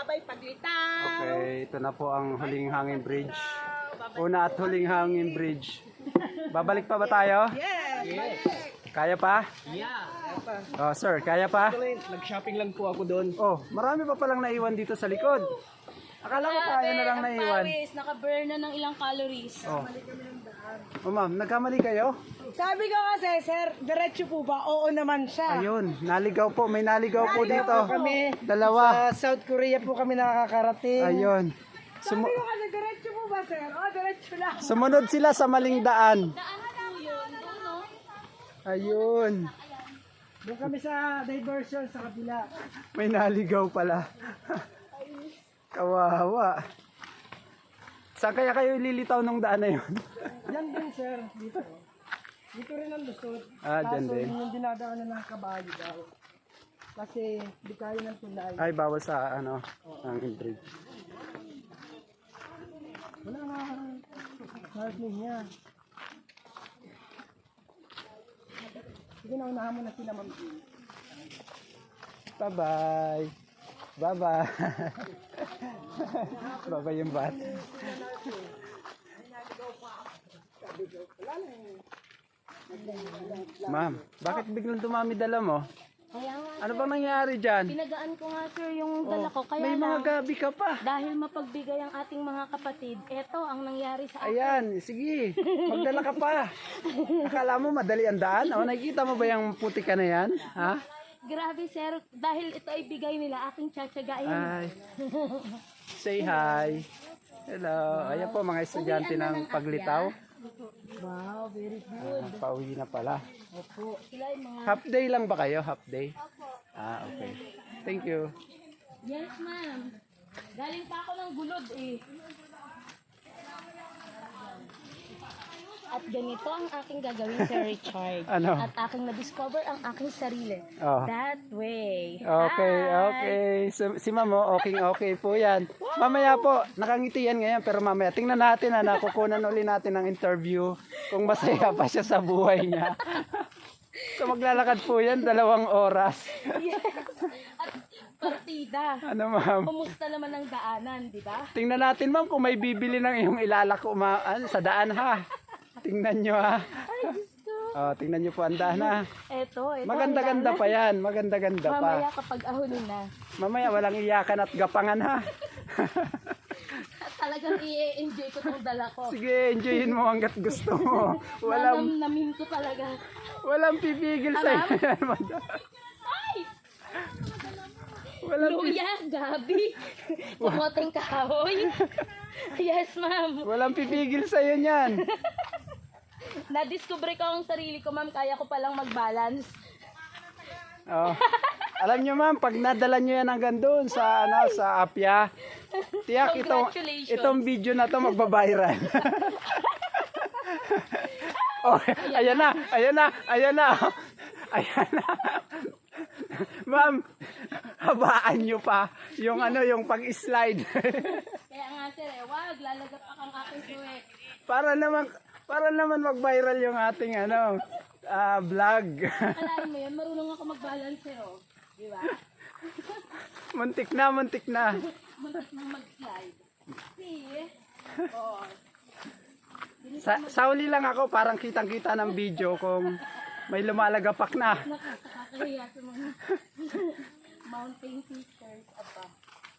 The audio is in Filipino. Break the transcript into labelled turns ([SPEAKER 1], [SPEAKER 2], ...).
[SPEAKER 1] bye-bye paglitaw.
[SPEAKER 2] Okay, ito na po ang Huling Hangin Bridge. Una at Huling Hangin Bridge. Babalik pa ba tayo?
[SPEAKER 1] Yes.
[SPEAKER 2] Kaya pa?
[SPEAKER 3] Yeah.
[SPEAKER 2] Oh, sir, kaya pa?
[SPEAKER 3] Nag-shopping lang po ako doon.
[SPEAKER 2] Oh, marami pa palang naiwan dito sa likod. Akala ko kaya na lang naiwan.
[SPEAKER 1] Pawis, naka-burn na ng ilang calories.
[SPEAKER 2] Oh. Oh, ma'am, nagkamali kayo?
[SPEAKER 4] Sabi ko kasi, sir, diretso po ba? Oo naman siya.
[SPEAKER 2] Ayun, naligaw po. May naligaw po dito.
[SPEAKER 4] Kami,
[SPEAKER 2] Dalawa.
[SPEAKER 4] sa South Korea po kami nakakarating.
[SPEAKER 2] Ayun.
[SPEAKER 4] Sabi ko kasi, diretso po ba, sir? Oo, diretso lang.
[SPEAKER 2] Sumunod sila sa maling daan.
[SPEAKER 1] Daan po yun, doon no?
[SPEAKER 2] Ayun.
[SPEAKER 4] Doon kami sa diversion sa kabila.
[SPEAKER 2] May naligaw pala. Kawawa. Saan kaya kayo lilitaw nung daan na yun?
[SPEAKER 4] Yan din, sir. Dito. Dito rin ang lusot.
[SPEAKER 2] Ah, dyan
[SPEAKER 4] Kaso,
[SPEAKER 2] din.
[SPEAKER 4] yung dinadaanan ng kabayo daw. Kasi, di kaya ng tulay.
[SPEAKER 2] Ay, bawal sa ano, ang bridge.
[SPEAKER 4] Wala nga. Marking niya. Sige na, unahan mo na sila, ma'am.
[SPEAKER 2] Bye-bye. Bye-bye. Bye-bye yung bat. Ma'am, bakit biglang dumami dala mo?
[SPEAKER 1] Kaya nga,
[SPEAKER 2] Ano bang nangyari dyan?
[SPEAKER 1] pinagaan ko nga sir yung dala ko. Kaya
[SPEAKER 2] May mga
[SPEAKER 1] lang,
[SPEAKER 2] gabi ka pa.
[SPEAKER 1] dahil mapagbigay ang ating mga kapatid, eto ang nangyari sa akin.
[SPEAKER 2] Ayan, sige. Magdala ka pa. Akala mo madali ang daan? O, nakikita mo ba yung puti ka na yan? Ha?
[SPEAKER 1] Grabe sir, dahil ito ay bigay nila, aking tsatsagain.
[SPEAKER 2] Ay. Say hi. Hello. Ayan po mga estudyante ng paglitaw.
[SPEAKER 4] Wow, very good.
[SPEAKER 2] Pauwi na pala.
[SPEAKER 4] Opo.
[SPEAKER 1] Sila yung mga...
[SPEAKER 2] Half day lang ba kayo? Half day? Ah, okay. Thank you.
[SPEAKER 1] Yes ma'am. Galing pa ako ng gulod eh. At ganito ang aking gagawin Sir Richard.
[SPEAKER 2] Ano?
[SPEAKER 1] At aking na-discover ang aking sarili.
[SPEAKER 2] Oh.
[SPEAKER 1] That way.
[SPEAKER 2] Okay,
[SPEAKER 1] Hi!
[SPEAKER 2] okay. So, si Mamo, okay po yan. Mamaya po, nakangiti yan ngayon, pero mamaya, tingnan natin na kukunan uli natin ng interview kung masaya pa siya sa buhay niya. So maglalakad po yan, 2 oras.
[SPEAKER 1] Yes. At partida.
[SPEAKER 2] Ano ma'am?
[SPEAKER 1] Kumusta naman ang daanan, di ba?
[SPEAKER 2] Tingnan natin ma'am kung may bibili ng iyong ilalako sa daan ha. Tingnan nyo ha. Oh, tingnan nyo po ang daan ha.
[SPEAKER 1] Ito.
[SPEAKER 2] Maganda-ganda pa yan, maganda-ganda pa.
[SPEAKER 1] Mamaya kapag ahulin na.
[SPEAKER 2] Mamaya walang iyakan at gapangan ha.
[SPEAKER 1] At talagang i-enjoy ko tong dala ko.
[SPEAKER 2] Sige, enjoyin mo hanggat gusto mo.
[SPEAKER 1] Nanamnamin ko talaga.
[SPEAKER 2] Walang pipigil sa iyo.
[SPEAKER 1] Ay!
[SPEAKER 2] Walang,
[SPEAKER 1] Luya, Gabi. Pumoteng kahoy. Yes, ma'am.
[SPEAKER 2] walang pipigil sa iyo niyan.
[SPEAKER 1] Na-discover ko ang sarili ko, ma'am. Kaya ko palang mag-balance.
[SPEAKER 2] Oh. Alam niyo ma'am, pag nadala niyo yan hanggang doon sa sa Apia, tiyak
[SPEAKER 1] Congratulations.
[SPEAKER 2] itong video na to magba-viral. Oh, ayan na. Ayan na. Ma'am, habaan niyo pa yung yung pag-slide.
[SPEAKER 1] Kaya nga, sir, wag. Lalagap akong aking suwek.
[SPEAKER 2] para naman mag-viral yung ating vlog.
[SPEAKER 1] Alain mo yun, marunong ako mag-balance, sir, oh. Di ba?
[SPEAKER 2] Muntik na.
[SPEAKER 1] Muntik nang mag-slide. See? Oh.
[SPEAKER 2] Sa huli lang ako, parang kitang-kita ng video kung may lumalagapak na.
[SPEAKER 1] Nakakahiya sa mga mountain sisters.